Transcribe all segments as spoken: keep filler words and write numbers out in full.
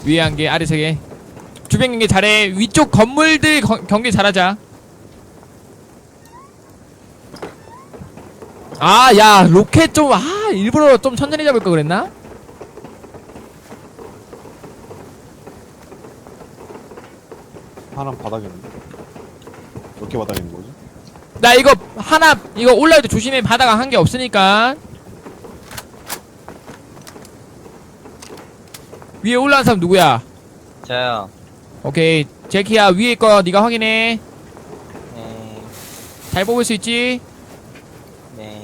위에 한 개, 아래 세 개. 주변 경기 잘해. 위쪽 건물들 거, 경기 잘하자. 아, 야, 로켓 좀, 아, 일부러 좀 천천히 잡을 걸 그랬나? 하나는 바닥에 있는데. 몇 개 바닥에 있는 거지? 나 이거 하나, 이거 올라올 때 조심해. 바다가 한 개 없으니까. 위에 올라온 사람 누구야? 저요. 오케이. 제키야, 위에 거 네가 확인해. 네. 잘 뽑을 수 있지? 네.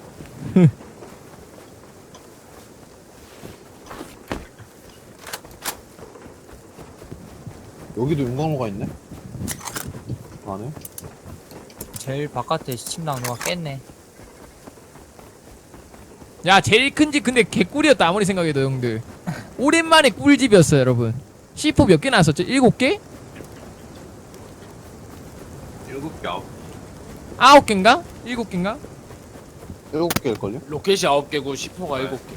여기도 용광로가 있네? 안에? 제일 바깥에 침낭로가 깼네. 야, 제일 큰 집 근데 개꿀이었다. 아무리 생각해도 형들. 오랜만에 꿀집이었어요, 여러분. 씨포 몇 개 나왔었죠? 일곱 개? 일곱 개 아홉 아홉 개인가? 일곱 개인가? 일곱 개일걸요? 로켓이 아홉 개고 시포가 네. 일곱 개.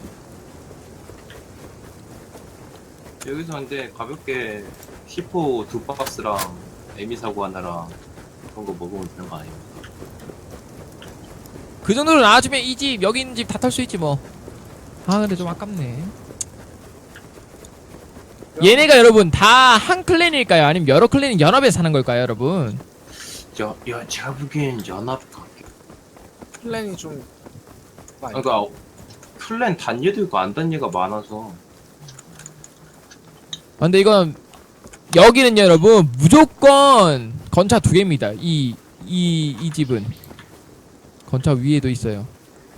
개. 여기서 근데 가볍게 시포 두 박스랑 에미 사고 하나랑 그런 거 먹으면 되는 거 아니에요? 그 정도로 나와주면 이 집, 여기 있는 집 다 털 수 있지 뭐. 아, 근데 좀 아깝네. 얘네가 여러분 다 한 클랜일까요? 아니면 여러 클랜이 연합해서 사는 걸까요, 여러분? 야, 야 제가 보기엔 연합 같게. 플랜이 좀 많이. 그러니까 플랜 단예도 있고 안 단예가 많아서. 아, 근데 이건 여기는 여러분 무조건 건차 두 개입니다. 이 이 이 집은 건차 위에도 있어요.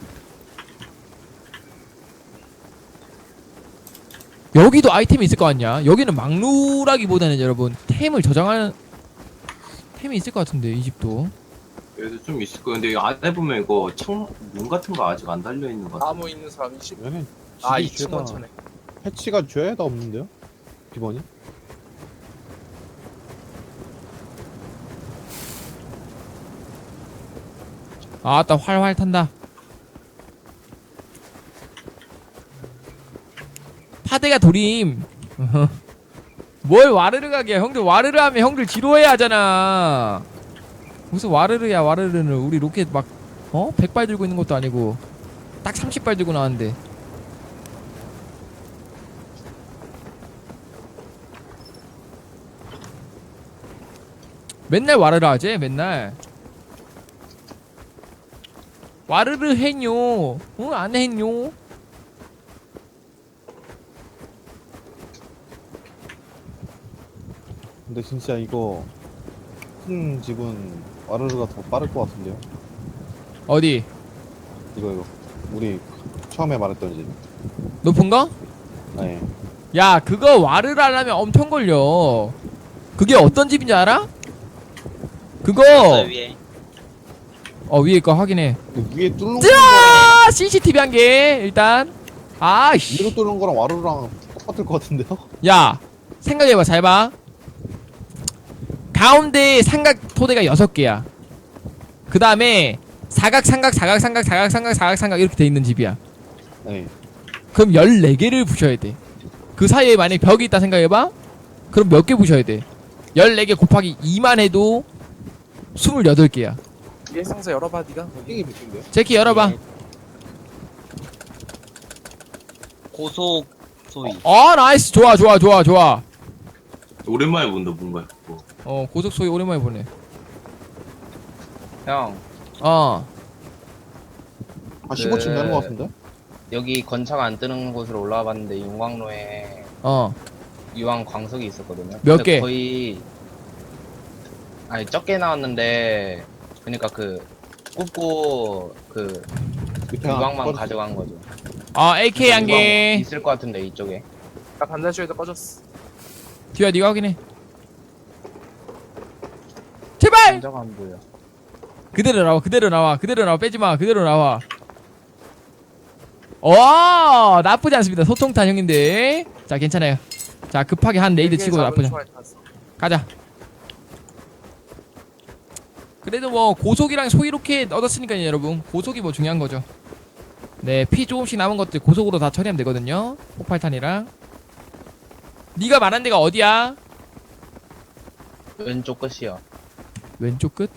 여기도 아이템이 있을 거 아니야? 여기는 막루라기보다는 여러분 템을 저장하는 템이 있을 것 같은데 이 집도. 여기도 좀 있을 거예요. 근데 이 안에 보면 이거 창문 같은 거 아직 안 달려 있는 거 같아. 나무 있는 사람 이십. 얘네 아, 집이 이 층 죄다 원천에. 패치가 죄다 없는데요? 비번이? 아따 활활 탄다. 파대가 도림. 뭘 와르르 가게야. 형들 와르르 하면 형들 지루해 하잖아. 무슨 와르르야 와르르는. 우리 로켓 막 어? 백 발 들고 있는 것도 아니고 딱 삼십 발 들고 나왔는데. 맨날 와르르 하지 맨날. 와르르 했뇨. 어? 안 했뇨. 근데 진짜 이거 큰 집은 와르르가 더 빠를 것 같은데요? 어디? 이거 이거 우리 처음에 말했던 집. 높은 거? 네. 야, 그거 와르르 하려면 엄청 걸려. 그게 어떤 집인지 알아? 그거 위에. 어 위에 거 확인해. 그 위에 뚫는 거랑 짜! 씨씨티비 한 개 일단. 아씨. 위로 뚫는 거랑 와르르랑 똑같을 것 같은데요? 야, 생각해봐. 잘 봐. 가운데 삼각 토대가 여섯 개야. 그 다음에 사각 삼각 사각 삼각 사각 삼각 사각 삼각 이렇게 돼 있는 집이야. 네. 그럼 열네 개를 부셔야 돼. 그 사이에 만약에 벽이 있다 생각해봐. 그럼 몇 개 부셔야 돼? 열네 개 곱하기 이만 해도 스물여덟 개야. 위에 상자 열어봐 니가. 이게 미친데요? 제키 열어봐. 고속 소위. 어 나이스. 좋아 좋아 좋아 좋아. 오랜만에 본다 뭔가 그거. 어 고속 소리 오랜만에 보네. 형, 어 한 십오 층 그- 되는 것 같은데? 여기 건차가 안 뜨는 곳으로 올라와 봤는데 용광로에 어. 유황 광석이 있었거든요. 몇 근데 개? 거의 아니 적게 나왔는데 그러니까 그 굽고 그 밑에 하나 유황만 꺼졌어. 가져간 거죠. 어 에이케이 한 유황 개. 있을 것 같은데 이쪽에. 나 반대쪽에다 꺼졌어. 뒤야 네가 확인해. 제발. 혼자가 안 보여. 그대로 나와 그대로 나와 그대로 나와 빼지마 그대로 나와. 어 나쁘지 않습니다. 소통탄 형님들. 자 괜찮아요. 자 급하게 한 레이드 치고 나쁘지 않아. 가자. 그래도 뭐 고속이랑 소위 로켓 얻었으니까요 여러분. 고속이 뭐 중요한 거죠. 네 피 조금씩 남은 것들 고속으로 다 처리하면 되거든요. 폭발탄이랑. 네가 말한 데가 어디야? 왼쪽 끝이요. 왼쪽 끝?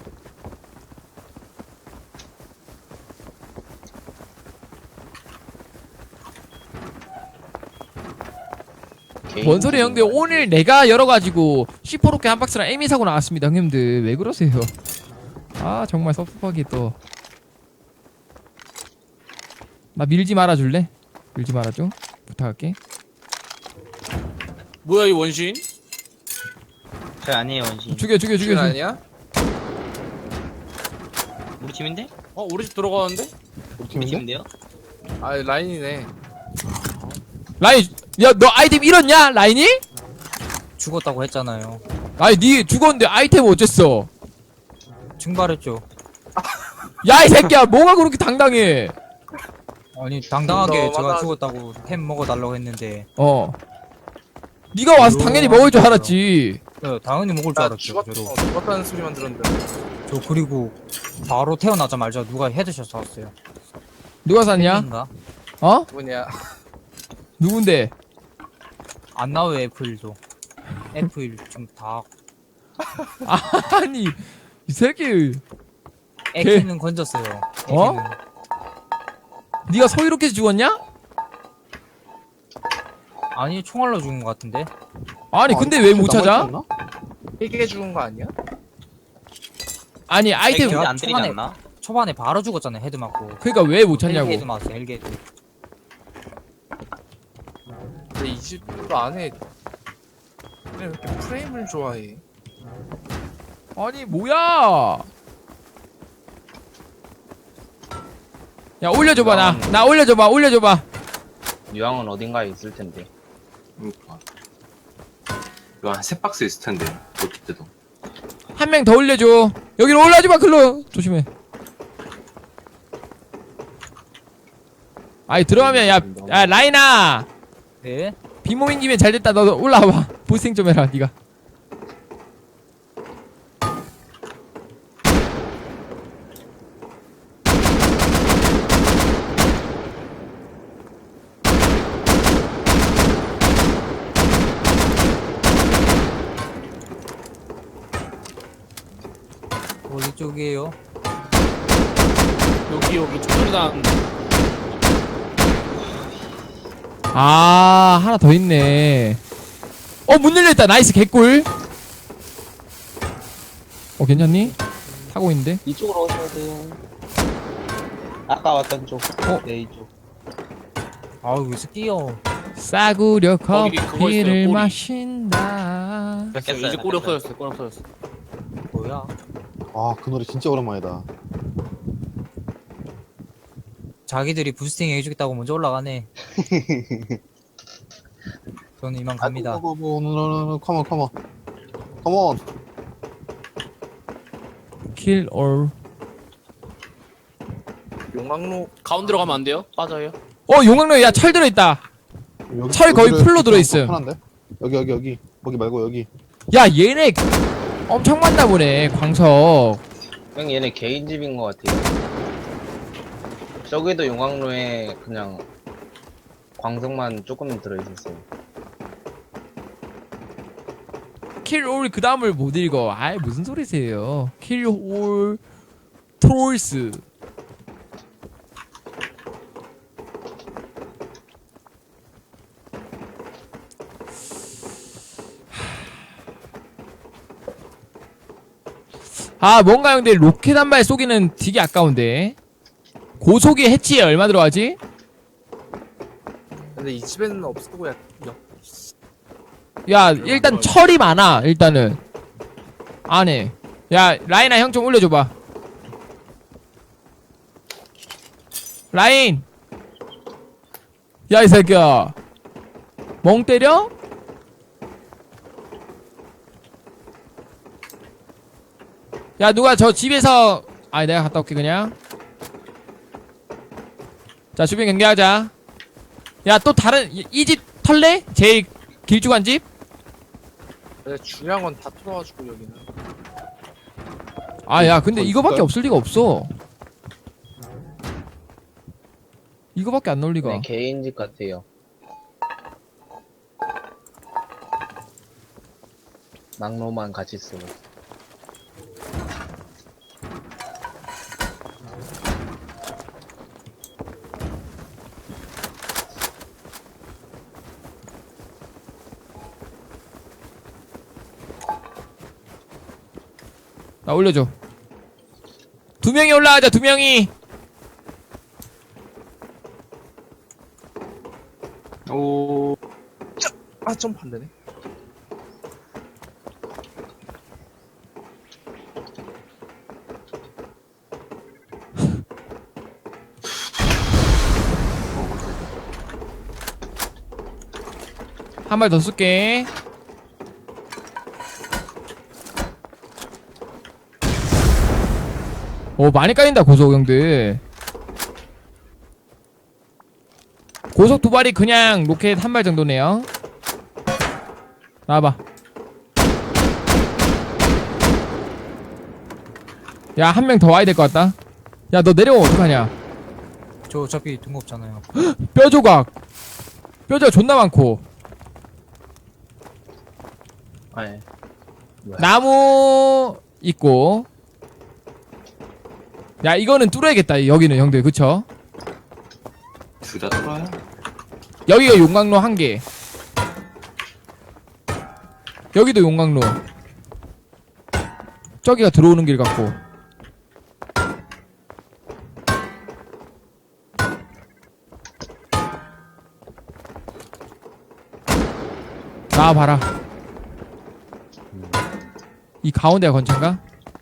뭔 소리야 형들. 오늘 내가 열어가지고 씨포 로켓 한 박스랑 에미 사고 나왔습니다 형님들. 왜 그러세요? 아 정말 섭섭하게 또. 나 밀지 말아줄래? 밀지 말아줘 부탁할게. 뭐야 이 원신? 저 아니에요 원신. 죽여 죽여 죽여 준 죽여. 아니야? 우리 팀인데? 어 우리 집 들어가는데? 우리 우리 팀인데? 팀인데요? 아 라인이네. 라인 야 너 아이템 잃었냐 라인이? 죽었다고 했잖아요. 아니 니 죽었는데 아이템 어쨌어? 증발했죠. 야 이 새끼야 뭐가 그렇게 당당해? 아니 당당하게 너 제가 맞아. 죽었다고 햄 먹어달라고 했는데 어 니가 와서 아유, 당연히 먹을 줄 알았지. 네, 당연히 먹을 줄 나 알았죠. 죽었, 저도. 어, 죽었다는 소리만 들었는데. 저 그리고 바로 태어나자마자 누가 헤드샷 쐈어요. 누가 샀냐? 햄인가? 어? 누구냐? 누군데? 안 나와요 에프일도. 에프일 좀 다. 아니 이 새끼 에키는 건졌어요. 어? 에키는. 니가 서이롭게 죽었냐? 아니 총알로 죽은 것 같은데. 아니 근데 왜 못 찾아? 헬게 죽은 거 아니야? 아니 아이템 근데 제가 안 때리지 초반에 않나? 초반에 바로 죽었잖아요 헤드 맞고. 그러니까 왜 못 찾냐고. 헬기 헤드 맞았어요 헬기 헤드. 근데 이 집 안에 왜 이렇게 프레임을 좋아해? 아니 뭐야? 야 올려줘봐 나 나 올려줘봐 올려줘봐. 유황은 어딘가에 있을 텐데. 그러니까. 이거 한 세 박스 있을 텐데. 어떻게든. 한 명 더 올려줘. 여기로 올라와줘봐 글로. 조심해. 아이 들어가면 야, 야 라인아 네. 비모인 김에 잘됐다. 너 올라와봐. 보스팅 좀 해라 니가. 어디 쪽이에요? 여기 여기 총소리 나는데. 아 하나 더 있네. 어 문 열려있다. 나이스 개꿀. 어 괜찮니? 타고 있는데. 이쪽으로 오셔야 돼요. 아까 왔던 쪽. 어? 네 이쪽. 아우 왜 스키요? 싸구려 거기 그거 있어요, 커피를 꼬리. 마신다. 됐어 이제 꼬리 없어졌어. 꼬리 없어졌어. 뭐야? 아, 그 노래 진짜 오랜만이다. 자기들이 부스팅 해주겠다고 먼저 올라가네. 저는 이만 갑니다. 뭐, 뭐, 뭐, 컴온, 컴온. 컴온. Kill all. 용광로 가운데로 가면 안 돼요? 빠져요. 어 용광로에 야 철 들어있다. 여기, 철 거의 여기를 풀로 들어있음. 편한데? 여기, 여기, 여기. 거기 말고 여기. 야 얘네 엄청 많나 보네 광석. 형 얘네 개인 집인 것 같아요. 저기도 용광로에 그냥 광석만 조금 들어있었어요. Kill all 그 다음을 못 읽어. 아이 무슨 소리세요. Kill all trolls. 아 뭔가 형들 로켓 한 발 쏘기는 되게 아까운데. 고속이 해치에 얼마 들어가지? 근데 이 집에는 없고 야, 야 야 일단 철이 많아 일단은 안에. 야 라인아 형 좀 올려줘봐. 라인 야 이 새끼야 멍 때려? 야 누가 저 집에서 아니 내가 갔다 올게 그냥. 자 주변 경계하자. 야 또 다른 이 집 털래? 제일 길쭉한 집? 근데 중요한 건 다 털어가지고 여기는. 아 야 근데 더 이거밖에 있을까요? 없을 리가 없어. 이거밖에 안 나올 리가. 네, 개인 집 같아요. 낙로만 같이 쓰고. 나 올려줘. 두 명이 올라가자. 두 명이. 오. 아 점프 안 되네. 한 발 더 쏠게. 오, 많이 깔린다, 고속 형들. 고속 두 발이 그냥 로켓 한 발 정도네요. 나와봐. 야, 한 명 더 와야 될 것 같다. 야, 너 내려오면 어떡하냐. 저 어차피 등 없잖아요. 뼈 조각. 뼈 조각 존나 많고. 아니. 나무 있고. 야, 이거는 뚫어야겠다. 여기는 형들, 그쵸? 둘 다 뚫어요? 여기가 용광로 한 개. 여기도 용광로. 저기가 들어오는 길 같고. 나와봐라. 이 가운데가 건찬가?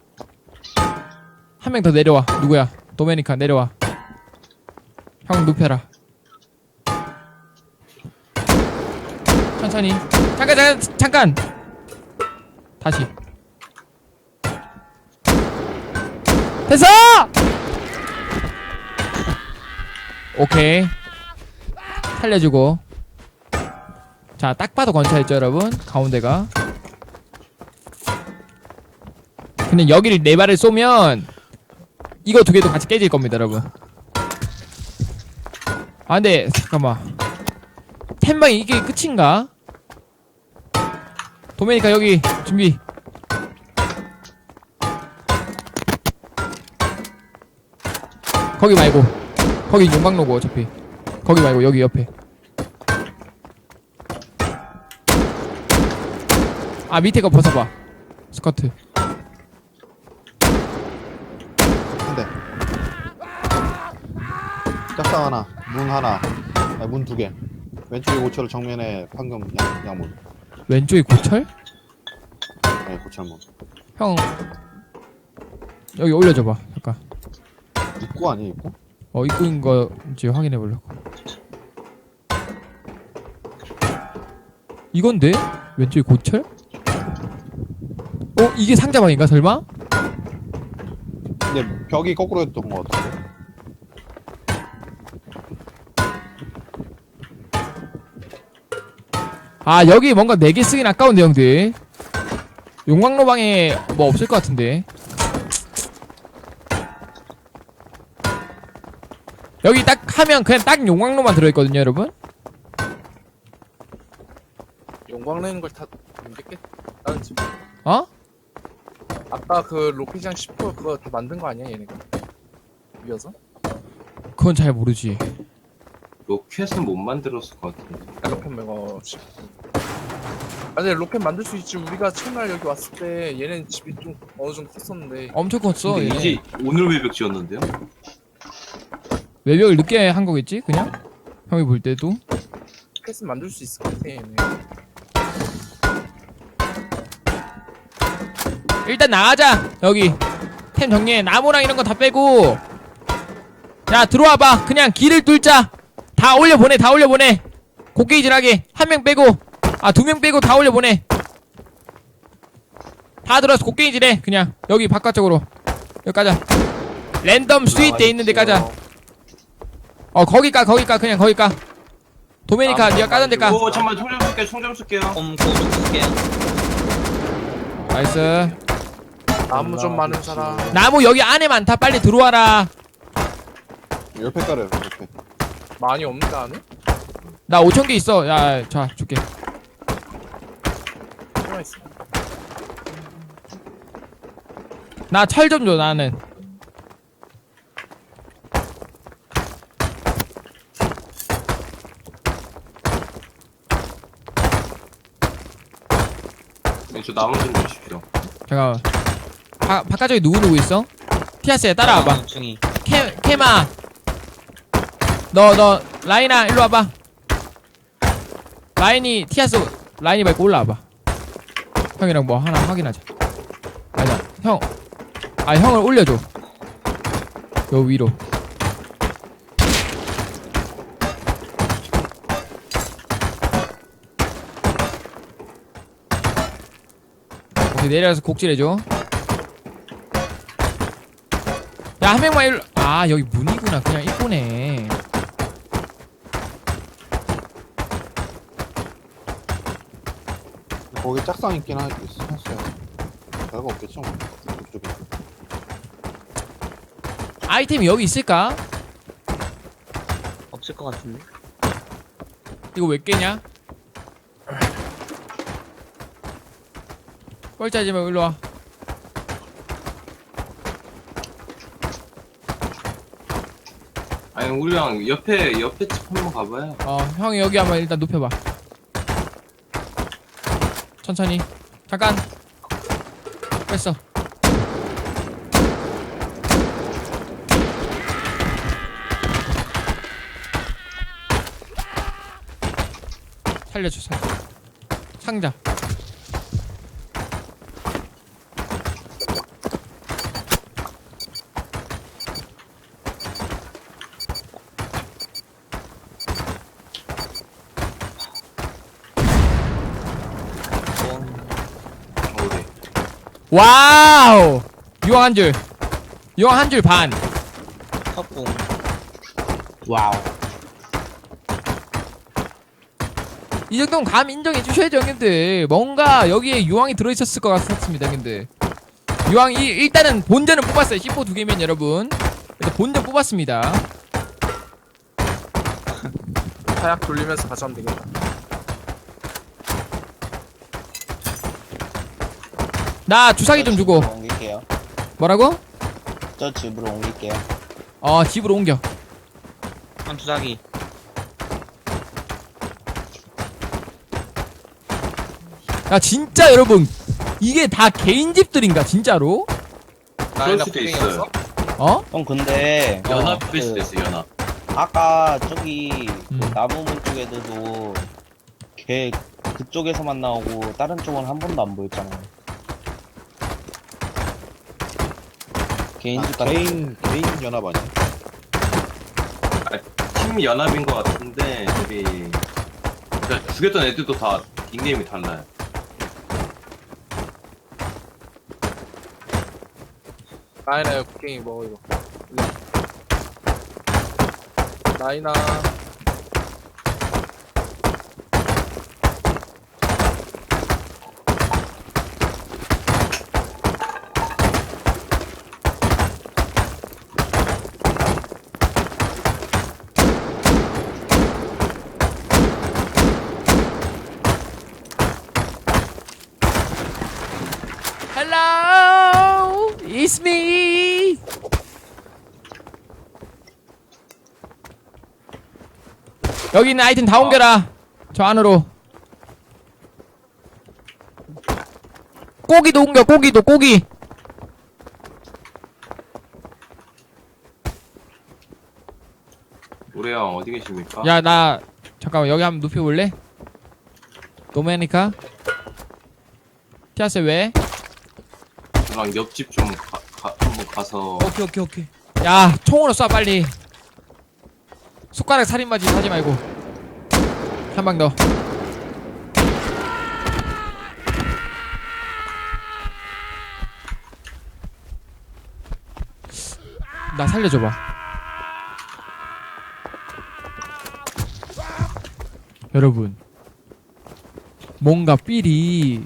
한 명 더 내려와. 누구야? 도메니카 내려와. 형 눕혀라. 천천히. 잠깐 잠깐 잠깐. 다시. 됐어! 오케이. 살려주고. 자, 딱 봐도 건차였죠 여러분. 가운데가. 근데 여기를 네 발을 쏘면 이거 두 개도 같이 깨질 겁니다 여러분. 아 근데 잠깐만, 템방이 이게 끝인가? 도메니카 여기 준비. 거기 말고, 거기 용광로고 어차피. 거기 말고 여기 옆에. 아 밑에 거 벗어봐. 스커트. 한대. 짝상 하나, 문 하나, 아니, 문 두 개. 왼쪽에 고철, 정면에 방금 양, 양문. 왼쪽이 고철? 네, 고철문. 형 여기 올려줘봐 잠깐. 입구 아니에요, 입구? 어 입구인 거인지 확인해보려고. 이건데? 왼쪽이 고철? 어? 이게 상자방인가 설마? 근데 벽이 거꾸로 했던 것 같은데. 아 여기 뭔가 네 개 쓰긴 아까운데 형들. 용광로 방에 뭐 없을 것 같은데. 여기 딱 하면 그냥 딱 용광로만 들어있거든요 여러분. 용광 내는 걸 다 만들겠다는 집. 어? 아까 그 로켓장 십 퍼센트 그거 다 만든 거 아니야 얘네가? 위어서? 그건 잘 모르지. 로켓은 못 만들었을 것 같은데. 아, 로켓 매거 십 퍼센트. 아 근데 로켓 만들 수 있지. 우리가 첫날 여기 왔을 때 얘네 집이 좀 어느 정도 컸었는데. 엄청 컸어. 근데 얘네. 이제 오늘 외벽 지었는데요? 외벽을 늦게 한 거겠지 그냥? 형이 볼 때도. 로켓은 만들 수 있을 것 같아 얘네. 일단 나가자. 여기 템 정리해. 나무랑 이런 거 다 빼고. 야 들어와봐. 그냥 길을 뚫자. 다 올려보내. 다 올려보내. 곡괭이질하게 한 명 빼고, 아 두 명 빼고 다 올려보내. 다 들어와서 곡괭이질해. 그냥 여기 바깥쪽으로. 여기 가자. 랜덤 스윗 돼 있는 데 가자. 어 거기 까 거기 까 그냥 거기 까. 도메니카 아, 니가 까던 데 까. 오 잠깐만 총 좀 쏠게요. 총 좀 쏠게요. 꼼꼼 쓸게요. 나이스. 나무 좀 많은 사람. 나무 여기 안에 많다. 빨리 들어와라. 옆에 깔아요, 옆에. 많이 없는데 안에? 나 오천 개 있어. 야, 자, 줄게. 하나 있어. 나 철 좀 줘 나는. 네, 저 나무 좀 주십시오. 잠깐만. 바, 바깥쪽에 누구 누구 있어? 티아스야 따라와봐. 중이. 캐 캐마. 너 너 라인아 일로 와봐. 라인이 티아스 라인이 밟고 올라와봐. 형이랑 뭐 하나 확인하자. 아니다 형. 아 형을 올려줘. 요 위로. 오케이 내려가서 곡질해줘. 야 한 명만 일로. 아 여기 문이구나. 그냥 입구네. 거기 짝상 있긴 하, 있, 했어요. 별거 없겠죠 뭐. 이쪽에. 아이템이 여기 있을까? 없을 것 같은데. 이거 왜 깨냐? 뻘짜지 말고 일로 와. 아니 우리랑 옆에 옆에 집 한번 가봐요. 어 형이 여기 한번 일단 눕혀봐. 천천히. 잠깐. 뺐어. 살려줘 살려. 상자. 어, 네. 와우. 유황 한 줄. 유황 한 줄 반. 컵봉. 와우. 이 정도면 감 인정해 주셔야죠 형님들. 뭔가 여기에 유황이 들어있었을 것 같습니다 형님들. 유황이 일단은 본전은 뽑았어요. 씨포 두 개면 여러분 일단 본전 뽑았습니다. 타약 돌리면서 가져가면 되겠다. 나 주사기 좀 주고. 집으로 옮길게요. 뭐라고? 저 집으로 옮길게요. 어 집으로 옮겨. 한 주사기. 야 진짜 여러분 이게 다 개인 집들인가 진짜로? 그럴 수도 있어요. 어? 형 근데 연합일 그, 수도 있어 연합. 아까 저기 그 음. 나무문 쪽에도 걔 그쪽에서만 나오고 다른 쪽은 한 번도 안 보였잖아요. 개인 집 아, 같은 개인 개인 연합 아니야? 팀 연합인 것 같은데 저기 그러니까 죽였던 애들도 다 닉네임이 달라요. 라이나 국갱이 먹어 이거. 라이나. Hello, it's me. 여기 있는 아이템 다 옮겨라. 저 안으로. 고기도 옮겨. 고기도 고기. 우리 형 어디 계십니까? 야 나 잠깐만 여기 한번 눕혀볼래? 도메니카? 티아스 왜? 저랑 옆집 좀 가, 가, 한번 가서 오케이 오케이 오케이. 야 총으로 쏴 빨리. 손가락 살인마지 하지 말고. 한 방 더. 나 살려줘봐. 여러분 뭔가 삘이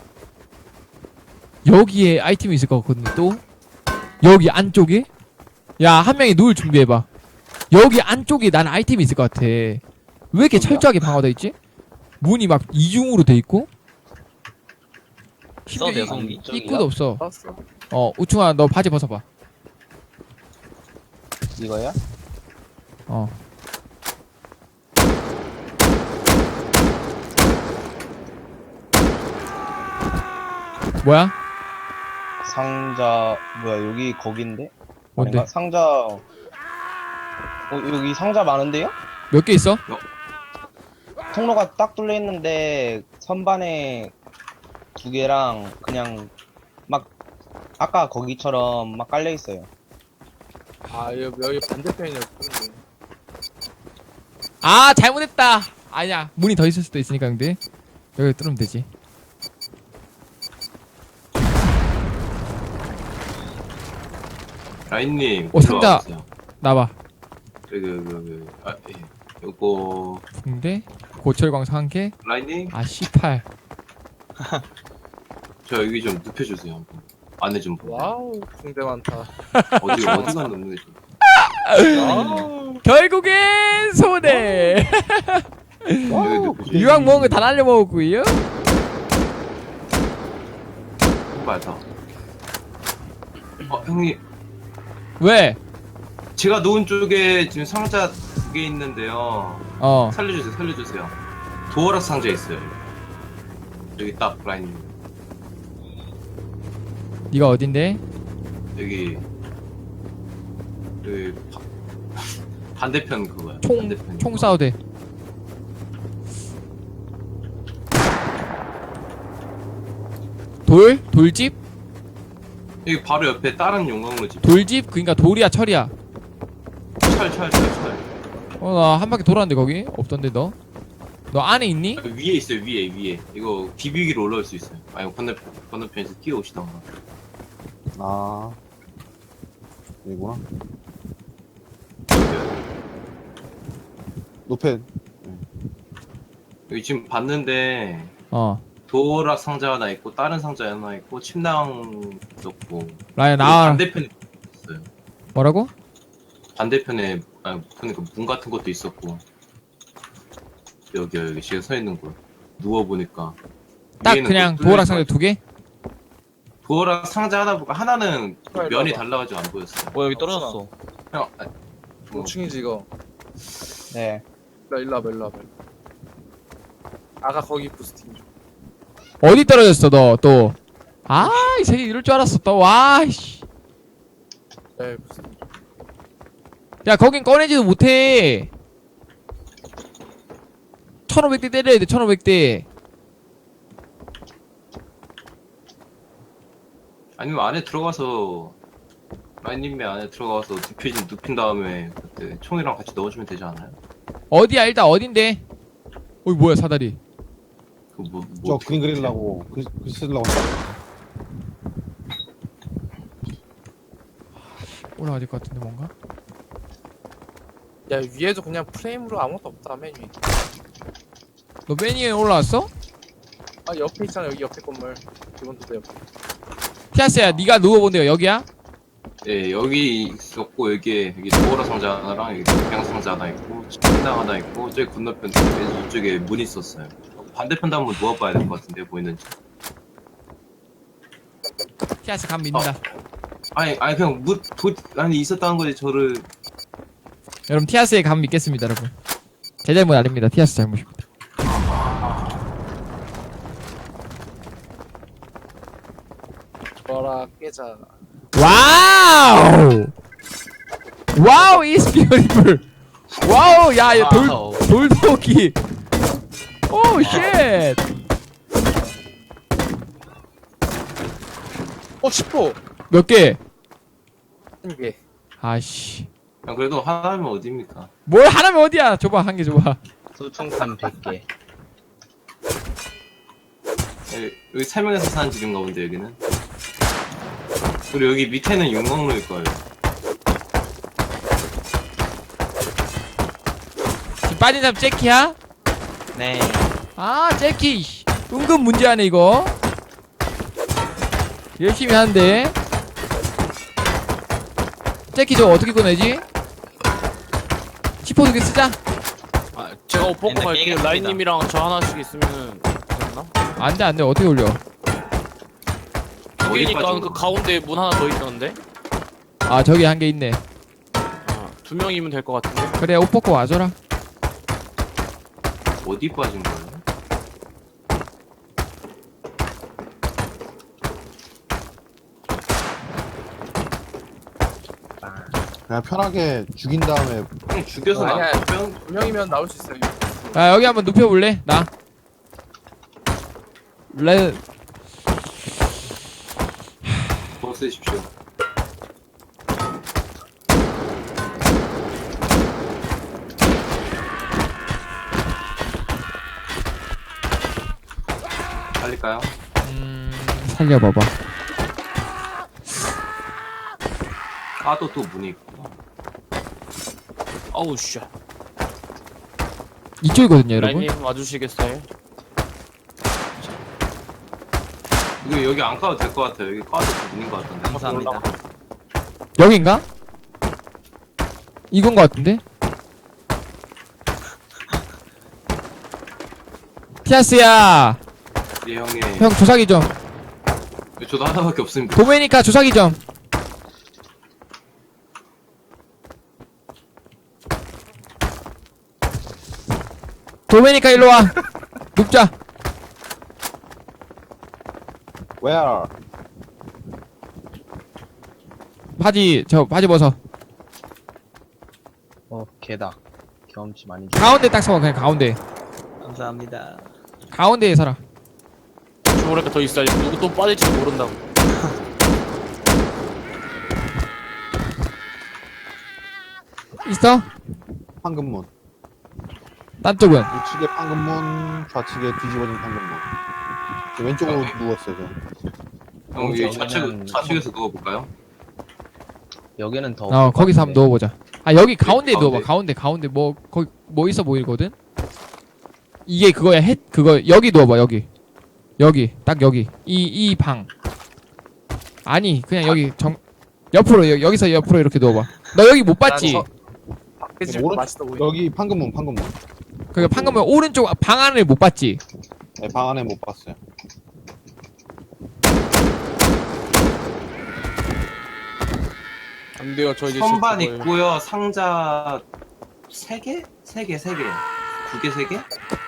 여기에 아이템이 있을 것 같거든요. 또 여기 안쪽에 야 한 명이 누울 준비해봐. 여기 안쪽에 난 아이템이 있을 것 같아. 왜 이렇게 철저하게 방어돼 있지? 문이 막 이중으로 돼 있고 써도 돼요, 심지어 성기? 이- 입구도 없어. 봤어. 어 우충아 너 바지 벗어봐. 이거야? 어. 뭐야? 상자 뭐야 여기 거긴데? 뭔데? 아닌가? 상자 어 여기 상자 많은데요? 몇 개 있어? 통로가 딱 뚫려 있는데 선반에 두 개랑 그냥 막 아까 거기처럼 막 깔려 있어요. 아 여기, 여기 반대편이었는데. 아 잘못했다. 아니야 문이 더 있을 수도 있으니까 근데 여기 뚫으면 되지. 라인님. 어, 상자. 올라와보세요. 나봐. 여기 여기 여기. 아 예. 요거 붕대 고철광석 한 개. 라인님 아 씨팔. 저 여기 좀 눕혀주세요. 한번. 안에 좀 보세요. 와우 붕대 많다. 어디 어디가 눕는 게 좀. 와우. 결국엔 손해. 여기 눕혀주세요. 유황 먹은 거 다 날려 먹었고요. 맞아. 어 형님 왜? 제가 놓은 쪽에 지금 상자 두 개 있는데요. 어. 살려주세요, 살려주세요. 도어락 상자 있어요. 여기 딱 라인. 네가 어딘데? 여기 여기 바, 반대편 그거야. 총 반대편 총 그거. 쏴도 돼. 돌? 돌집? 여기 바로 옆에 다른 용광로 집. 돌집? 그니까 돌이야 철이야. 철, 철, 철, 철. 어 나 한 바퀴 돌았는데 거기 없던데 너? 너 안에 있니? 여기 위에 있어요, 위에, 위에. 이거 비비기로 올라올 수 있어요. 아니 건너편 건너편에서 뛰어오시던가. 아 여기구나. 여기, 높에 여기 지금 봤는데 어 도어락 상자 하나 있고 다른 상자 하나 있고 침낭 있었고. 라야 그리고 나와. 반대편에 있어요. 뭐라고? 반대편에 아 그러니까 문 같은 것도 있었고. 여기 여기 지금 서 있는 곳 누워 보니까 딱 그냥 도어락 상자 두 개? 도어락 상자 하나 보고 하나는 빨리 면이 봐봐. 달라가지고 안 보였어요. 어 여기 떨어졌어. 형, 아, 뭐, 오 층이지 이거. 네. 나 일로 와봐 일로 와봐. 아까 거기 부스팅 좀. 어디 떨어졌어 너 또? 아 이 새끼 이럴 줄 알았어 또. 와 씨. 네 부스팅. 야 거긴 꺼내지도 못해. 천오백 대 때려야 돼 천오백 대. 아니면 안에 들어가서 라인님의 안에 들어가서 눕힌 눕힌 다음에 그때 총이랑 같이 넣어주면 되지 않아요? 어디야 일단 어딘데? 어이 뭐야 사다리. 그뭐 뭐, 저 그림 그리려고 글, 글 쓰려고 올라가야 될 것 같은데 뭔가? 야 위에도 그냥 프레임으로 아무것도 없다 맨 위. 너 맨 위에 올라왔어? 아 옆에 있잖아 여기 옆에 건물. 기본 도대 옆에. 티아스야 네가 누워본 데가 여기야? 예 여기 있었고 여기에 여기 도어락 상자 하나랑 여기 동양 상자 하나 있고 침낭 하나 있고 저기 건너편 쪽에 이쪽에 문 있었어요. 반대편도 한번 누워봐야 될 것 같은데 보이는지. 티아스 감 믿는다. 아니 아니 그냥 문 도, 아니 있었다는 거지 저를. 여러분 티아스의 감 믿겠습니다 여러분. 제 잘못 아닙니다. 티아스 잘못입니다. 뭐라 깨자. 와우! 와우 is beautiful. 와우 야돌 와우. 돌도끼. 오 쉣. 어 십 호. 몇 개? 한 개. 아씨. 그냥 그래도 하나면 어디입니까? 뭘 하나면 어디야? 줘봐 한 개 줘봐. 소총탄 백 개. 여기, 여기 세 명에서 사는 집인가 본데 여기는. 그리고 여기 밑에는 용광로일 거예요. 지금 빠진 사람 재키야? 네. 아 재키 씨. 은근 문제하네 이거. 열심히 하는데. 재키 저거 어떻게 꺼내지? 시포 두 개 쓰자. 아, 제가 옷 벗고 옛날 갈게요. 깨겠습니다. 라인님이랑 저 하나씩 있으면은 되나? 안돼 안돼 어떻게 올려? 그러니까 빠진 그 거야? 가운데 문 하나 더 있던데. 아 저기 한 개 있네. 어, 두 명이면 될 것 같은데. 그래 옷 벗고 와줘라. 어디 빠진 거예요? 그냥 편하게 죽인 다음에 형 죽여서 아니야. 나면 두 명이면 나올 수 있어요. 야 여기 한번 눕혀볼래? 나. 레. 더 쓰십시오. 살릴까요? 음 살려봐봐. 까도 또 문이 있구나. 어우 씨. 이쪽이거든요 여러분. 라인님 와주시겠어요? 이거 여기 안 까도 될 것 같아요. 여기 까도 또 문인 것 같은데. 감사합니다. 여긴가? 이건 거 같은데? 티아스야 예 형님. 형 조사기 좀. 저도 하나밖에 없습니다. 도메니카 조사기 좀. 도메니카 일로 와. 눕자. where? 바지 저 바지 벗어. 어 개다. 경험치 많이 줘. 가운데 딱 서봐. 그냥 가운데. 감사합니다. 가운데에 서라. 주머니가 더 있어야지. 누구 또 빠질지 모른다고. 있어? 황금문. 딴 쪽은? 우측에 황금문, 좌측에 뒤집어진 황금문. 저 왼쪽으로 아, 네. 누웠어요. 저. 형 여기 여기는 좌측 좌측에서 누워볼까요? 여기는 더. 어 거기서 한번 넣어보자. 아 여기 가운데에 가운데. 넣어봐. 가운데 가운데 뭐 거기 뭐 있어 보이거든? 이게 그거야. 햇 그거 여기 넣어봐. 여기 여기 딱 여기 이 이 방. 아니 그냥 여기 정 옆으로 여, 여기서 옆으로 이렇게 넣어봐. 너 여기 못 봤지? 난 저- 밖에 집 오른- 맛있어 보이네. 여기 황금문, 황금문. 그러니까 방금 오른쪽 방 안을 못 봤지? 네, 방 안에 못 봤어요. 안 돼요. 저 이제 선반 질 거예요. 있고요. 상자 세 개? 세 개, 세 개. 두 개, 세 개?